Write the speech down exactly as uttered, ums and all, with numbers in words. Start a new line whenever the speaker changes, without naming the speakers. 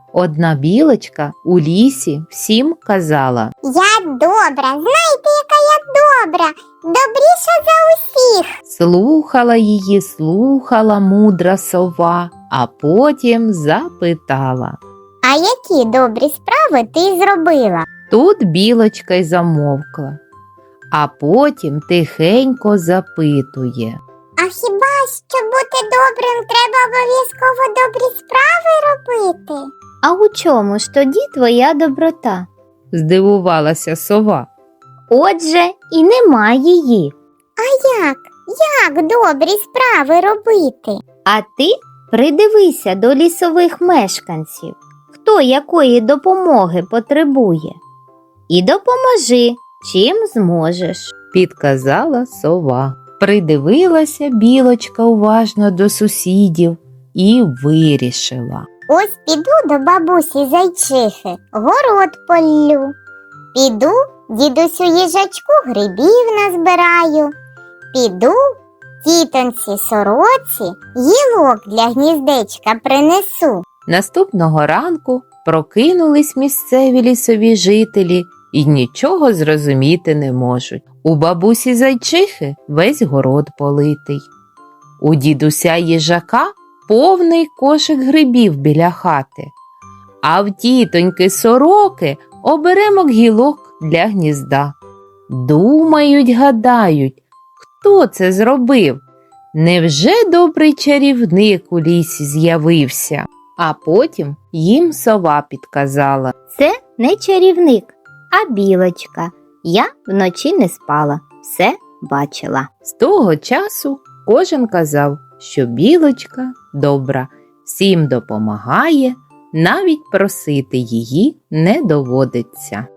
Одна білочка у лісі всім казала:
Я добра, знаєте, яка я добра, добріша за усіх.
Слухала її, слухала мудра сова, а потім запитала.
А які добрі справи ти зробила?
Тут білочка й замовкла, а потім тихенько запитує.
А хіба, щоб бути добрим, треба обов'язково добрі справи робити? А у чому ж тоді твоя доброта?
Здивувалася сова.
Отже, і нема її. А як? Як добрі справи робити? А ти придивися до лісових мешканців, хто якої допомоги потребує. І допоможи, чим зможеш.
Підказала сова. Придивилася білочка уважно до сусідів і вирішила.
Ось піду до бабусі зайчихи, город поллю. Піду дідусю їжачку грибів назбираю. Піду тітонці сороці гілок для гніздечка принесу.
Наступного ранку прокинулись місцеві лісові жителі і нічого зрозуміти не можуть. У бабусі зайчихи весь город политий. У дідуся їжака повний кошик грибів біля хати, а в тітоньки сороки оберемок гілок для гнізда. Думають, гадають, хто це зробив? Невже добрий чарівник у лісі з'явився? А потім їм сова підказала.
Це не чарівник, а білочка. Я вночі не спала, все бачила.
З того часу кожен казав, що білочка добра, всім допомагає, навіть просити її не доводиться.